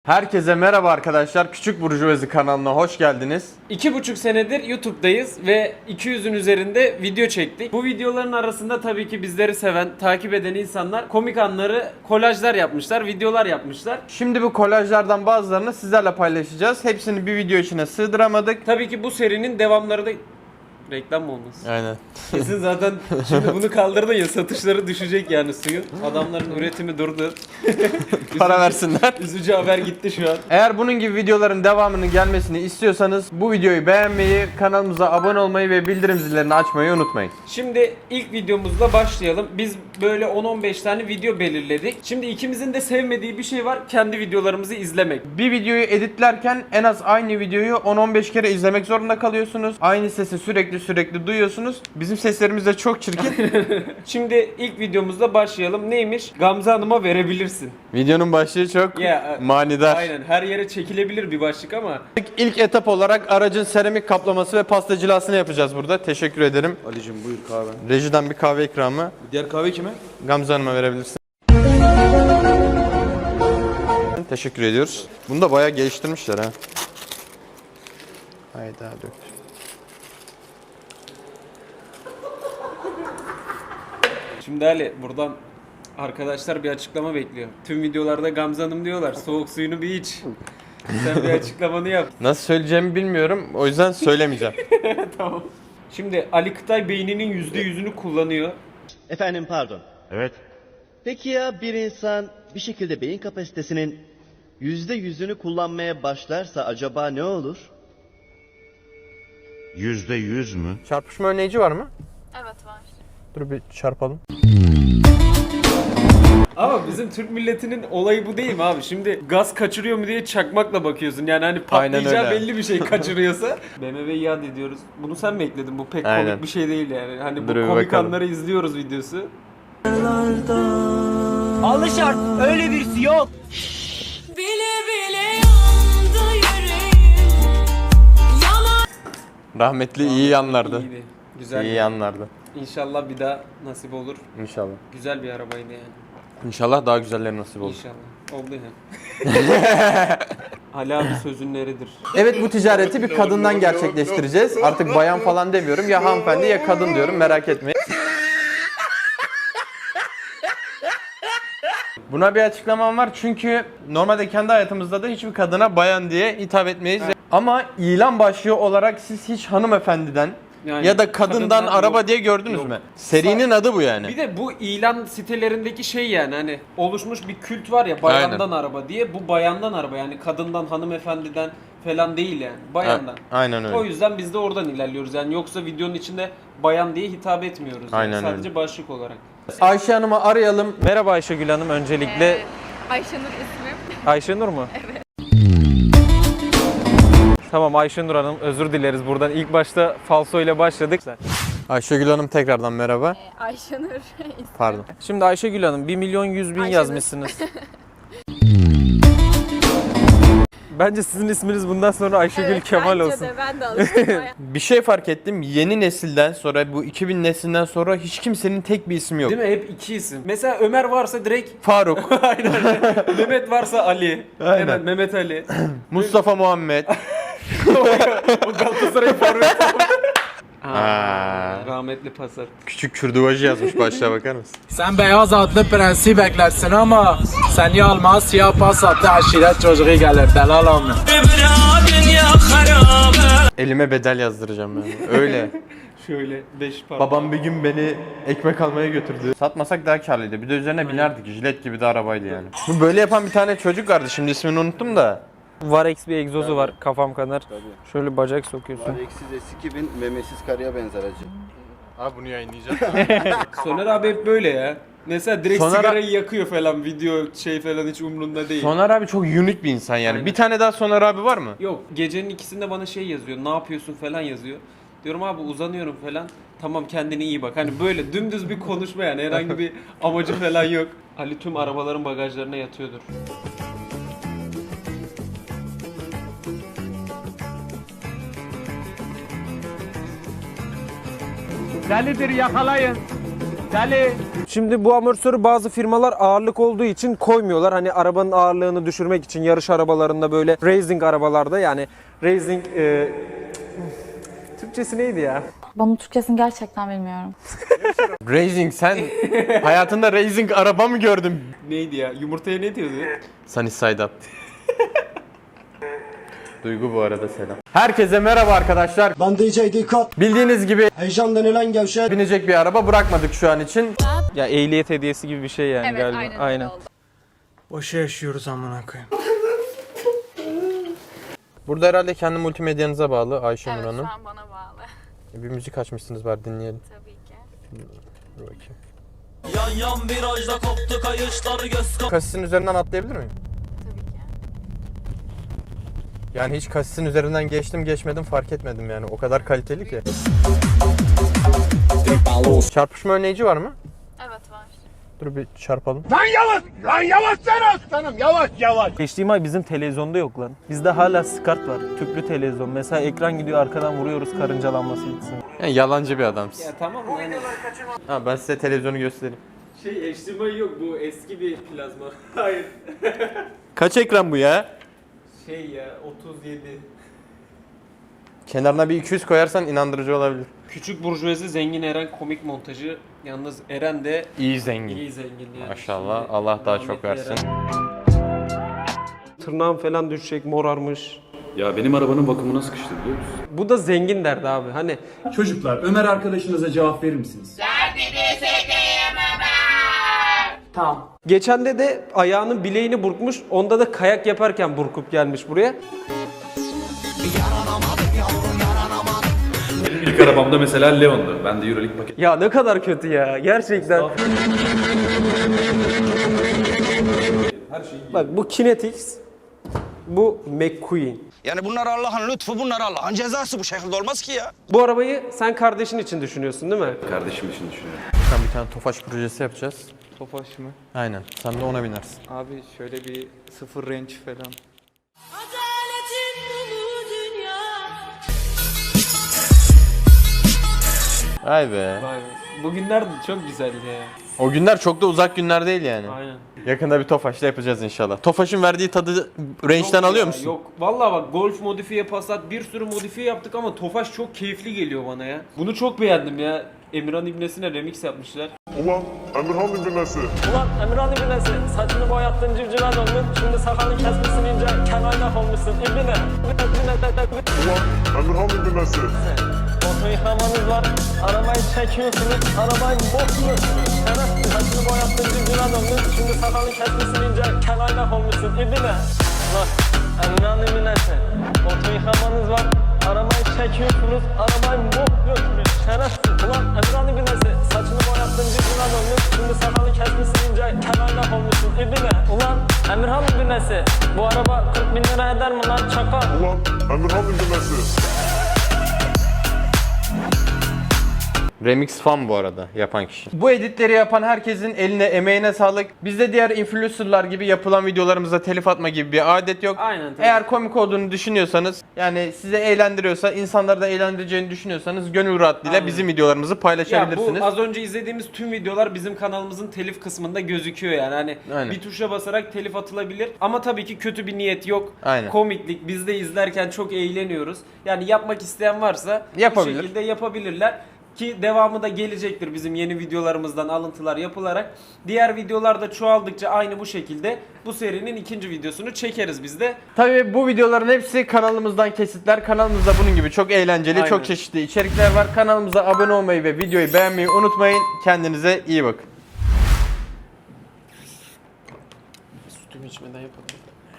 Herkese merhaba arkadaşlar. Küçük Burjuvazi kanalına hoş geldiniz. 2,5 senedir YouTube'dayız ve 200'ün üzerinde video çektik. Bu videoların arasında tabii ki bizleri seven, takip eden insanlar komik anları kolajlar yapmışlar, videolar yapmışlar. Şimdi bu kolajlardan bazılarını sizlerle paylaşacağız. Hepsini bir video içine sığdıramadık. Tabii ki bu serinin devamları da reklam mı olmasın? Aynen. Kesin zaten şimdi bunu kaldırdın ya, satışları düşecek yani suyun. Adamların üretimi durdu. Para versinler. Üzücü haber gitti şu an. Eğer bunun gibi videoların devamının gelmesini istiyorsanız bu videoyu beğenmeyi, kanalımıza abone olmayı ve bildirim zillerini açmayı unutmayın. Şimdi ilk videomuzla başlayalım. Biz böyle 10-15 tane video belirledik. Şimdi ikimizin de sevmediği bir şey var. Kendi videolarımızı izlemek. Bir videoyu editlerken en az aynı videoyu 10-15 kere izlemek zorunda kalıyorsunuz. Aynı sesi sürekli duyuyorsunuz. Bizim seslerimiz de çok çirkin. Şimdi ilk videomuzla başlayalım. Neymiş? Gamze Hanım'a verebilirsin. Videonun başlığı çok manidar. Aynen, her yere çekilebilir bir başlık ama. İlk etap olarak aracın seramik kaplaması ve pasta cilasını yapacağız burada. Teşekkür ederim. Ali'cim buyur kahve. Rejiden bir kahve ikramı. Diğer kahve kime? Gamze Hanım'a verebilirsin. Teşekkür ediyoruz. Bunu da bayağı geliştirmişler ha. Hayda dök. Şimdi Ali, buradan arkadaşlar bir açıklama bekliyor. Tüm videolarda Gamze Hanım diyorlar. Soğuk suyunu bir iç. Sen bir açıklamanı yap. Nasıl söyleyeceğimi bilmiyorum. O yüzden söylemeyeceğim. Tamam. Şimdi Ali Kıtay beyninin %100'ünü kullanıyor. Efendim pardon. Evet. Peki ya bir insan bir şekilde beyin kapasitesinin %100'ünü kullanmaya başlarsa acaba ne olur? %100 mü? Çarpışma önleyici var mı? Evet var. Dur bir çarpalım. Ama bizim Türk milletinin olayı bu değil mi abi? Şimdi gaz kaçırıyor mu diye çakmakla bakıyorsun. Yani hani patlayacağı öyle. belli bir şey kaçırıyorsa. BMW'yi iade ediyoruz. Bunu sen mi ekledin? Bu pek Aynen. komik bir şey değil yani. Hani bu Dur bir komik bakalım. anları izliyoruz videosu. Alışart öyle birisi yok. Bile bile yandı yüreğim. Rahmetli iyi yanlardı. İyiydi. Güzel. İyi yanlardı. İnşallah bir daha nasip olur. İnşallah. Güzel bir arabaydı yani. İnşallah daha güzelleri nasip olur. İnşallah. Oldu yani. Ali abi sözün neridir? Evet, bu ticareti bir kadından gerçekleştireceğiz. Artık bayan falan demiyorum. Ya hanımefendi ya kadın diyorum, merak etmeyin. Buna bir açıklamam var çünkü normalde kendi hayatımızda da hiçbir kadına bayan diye hitap etmeyiz. Ama ilan başlığı olarak siz hiç hanımefendiden Yani ya da kadından araba yok. diye gördünüz Yok. mü? Serinin adı bu yani. Bir de bu ilan sitelerindeki şey yani hani oluşmuş bir kült var ya, bayandan araba diye. Bu bayandan araba yani, kadından, hanımefendiden falan değil yani. Bayandan. Aynen öyle. O yüzden biz de oradan ilerliyoruz yani, yoksa videonun içinde bayan diye hitap etmiyoruz. Yani. Aynen Sadece öyle. başlık olarak. Ayşe Hanım'ı arayalım. Merhaba Ayşegül Hanım, öncelikle Ayşenur ismim. Ayşenur mu? Evet. Tamam Ayşenur Hanım, özür dileriz buradan. İlk başta falso ile başladık. Ayşegül Hanım tekrardan merhaba. Ayşenur ismim. Pardon. Şimdi Ayşegül Hanım 1.100.000 Ayşenur. yazmışsınız. Bence sizin isminiz bundan sonra Ayşegül Kemal bence olsun. de, ben de alıştım. Bir şey fark ettim. Yeni nesilden sonra, bu 2000 neslinden sonra hiç kimsenin tek bir ismi yok. Değil mi? Hep iki isim. Mesela Ömer varsa direkt Faruk, Mehmet varsa Ali. Aynen. Hemen Mehmet Ali. Mustafa Muhammed. O Galatasaray forveti. Aa. Rahmetli Passat. Küçük kürduvacı yazmış, başlığa bakar mısın? Sen beyaz atlı prensi beklersin ama seni almaz siyah pas attı aşiret çocuğu gelir delal amına. Elime bedel yazdıracağım ben. Öyle. Şöyle 5 parmak. Babam bir gün beni ekmek almaya götürdü. Satmasak daha karlıydı. Bir de üzerine binerdik. Jilet gibi de arabaydı yani. Bu böyle yapan bir tane çocuk vardı. Şimdi ismini unuttum da. Varex bir egzozu var, kafam kadar. Şöyle bacak sokuyorsun. Eksiz S2000 memesiz karıya benzer acı. Abi bunu yayınlayacağım. Soner abi hep böyle ya. Mesela direkt Soner- sigarayı yakıyor falan, video şey falan hiç umrunda değil. Soner abi çok unik bir insan yani. Aynen. Bir tane daha Soner abi var mı? Yok, gecenin ikisinde bana şey yazıyor, ne yapıyorsun falan yazıyor. Diyorum abi uzanıyorum falan. Tamam, kendine iyi bak. Hani böyle dümdüz bir konuşma yani, herhangi bir amacı falan yok. Ali tüm arabaların bagajlarına yatıyordur. Delidir yakalayın. Şimdi bu amortisörü bazı firmalar ağırlık olduğu için koymuyorlar. Hani arabanın ağırlığını düşürmek için yarış arabalarında böyle racing arabalarda yani racing Türkçesi neydi ya? Bunun Türkçesini gerçekten bilmiyorum. Racing, sen hayatında racing araba mı gördün? Neydi ya? Yumurtaya ne diyordu? Sunny side up. Duygu bu arada selam. Herkese merhaba arkadaşlar. Ben DJ Dikkat. Bildiğiniz gibi Heyecan denilen gevşek. binecek bir araba bırakmadık şu an için. Ya ehliyet hediyesi gibi bir şey yani Evet galiba. aynen, öyle oldu. Boşa yaşıyoruz amına koyayım. Burada herhalde kendi multimedyanıza bağlı Ayşenur Evet Hanım. şu an bana bağlı. Bir müzik açmışsınız, var dinleyelim. Tabii ki. Dur bakayım. Yan virajda koptu kayışlar göz. Kasisin üzerinden atlayabilir miyim? Tabii ki. Yani hiç kasisin üzerinden geçtim geçmedim fark etmedim yani. O kadar kaliteli ki. Çarpışma önleyici var mı? Evet var. Dur bir çarpalım. Geçtiğim ay bizim televizyonda yok lan. Bizde hala SCART var. Tüplü televizyon. Mesela ekran gidiyor arkadan vuruyoruz karıncalanması gitsin. Yani yalancı bir adamsın. Ya tamam mı? Yani Ha, ben size televizyonu göstereyim. HDMI yok, bu eski bir plazma. Hayır. Kaç ekran bu ya? Şey ya 37. Kenarına bir 200 koyarsan inandırıcı olabilir. Küçük burjuvazi zengin Eren komik montajı. Yalnız Eren de İyi zengin. iyi zengin yani. Maşallah. Şimdi Allah daha rahmetli çok versin. Eren. Tırnağım falan düşecek, morarmış. Ya benim arabanın bakımına sıkıştı biliyor musun? Bu da zengin derdi abi. Hani Çocuklar Ömer arkadaşınıza cevap verir misiniz? geçen de ayağının bileğini burkmuş. Onda da kayak yaparken burkup gelmiş buraya. Benim ilk arabam da mesela Leon'du. Ben de Euroleague paket. Ya ne kadar kötü ya. Gerçekten. Bak bu Kinetics. Bu McQueen. Yani bunlar Allah'ın lütfu, bunlar Allah'ın cezası, bu şekilde olmaz ki ya. Bu arabayı sen kardeşin için düşünüyorsun değil mi? Kardeşim için düşünüyorum. Sen bir tane Tofaş projesi yapacağız. Tofaş mı? Aynen. Sen de ona binersin. Abi şöyle bir sıfır range falan. Adaletin bu dünya. Vay be. Vay be. Bugünler de çok güzeldi ya. O günler çok da uzak günler değil yani. Aynen. Yakında bir Tofaş'la yapacağız inşallah. Tofaş'ın verdiği tadı range'den Yok alıyor ya, musun? Yok. Vallahi bak Golf modifiye, Passat bir sürü modifiye yaptık ama Tofaş çok keyifli geliyor bana ya. Bunu çok beğendim ya. Emirhan İbnesi'ne remix yapmışlar. Ulan Emirhan İbnesi. Ulan Emirhan İbnesi, saçını boyattın civcive döndün, şimdi sakalını kesmişsin ince, kemaynak olmuşsun İbni. Ulan Emirhan İbnesi. Oto yıkamanız var, arabayı çekiyorsunuz, arabayı bokluyorsunuz. Şerefsiz, saçını boyattın civcive döndün, şimdi sakalını kesmişsin ince, kemaynak olmuşsun İbni. Ulan Emirhan İbnesi, oto yıkamanız var, arabayı çekiyorsunuz, arabayı bokluyorsunuz. Şerefsiz, ulan Emirhan İbnesi, saçını boyattın civcive döndün, şimdi sakalını kesmişsin ince, kemaynak olmuşsun İbni. Ulan Emirhan İbnesi, bu araba 40 bin lira eder mi lan çakal? Ulan Emirhan İbnesi. Remix fan bu arada yapan kişi. Bu editleri yapan herkesin eline emeğine sağlık. Bizde diğer influencerlar gibi yapılan videolarımıza telif atma gibi bir adet yok. Aynen, tabii. Eğer komik olduğunu düşünüyorsanız, yani size eğlendiriyorsa, insanları da eğlendireceğini düşünüyorsanız gönül rahatlığıyla Aynen. bizim videolarımızı Ya paylaşabilirsiniz. bu az önce izlediğimiz tüm videolar bizim kanalımızın telif kısmında gözüküyor yani. Hani Aynen. bir tuşa basarak telif atılabilir. Ama tabii ki kötü bir niyet yok. Aynen. Komiklik. Biz de izlerken çok eğleniyoruz. Yani yapmak isteyen varsa Yapabilir. bu şekilde yapabilirler. Ki devamı da gelecektir bizim yeni videolarımızdan alıntılar yapılarak. Diğer videolar da çoğaldıkça aynı bu şekilde bu serinin ikinci videosunu çekeriz biz de. Tabii bu videoların hepsi kanalımızdan kesitler. Kanalımızda bunun gibi çok eğlenceli, Aynen. çok çeşitli içerikler var. Kanalımıza abone olmayı ve videoyu beğenmeyi unutmayın. Kendinize iyi bakın. Sütümü içmeden yapalım.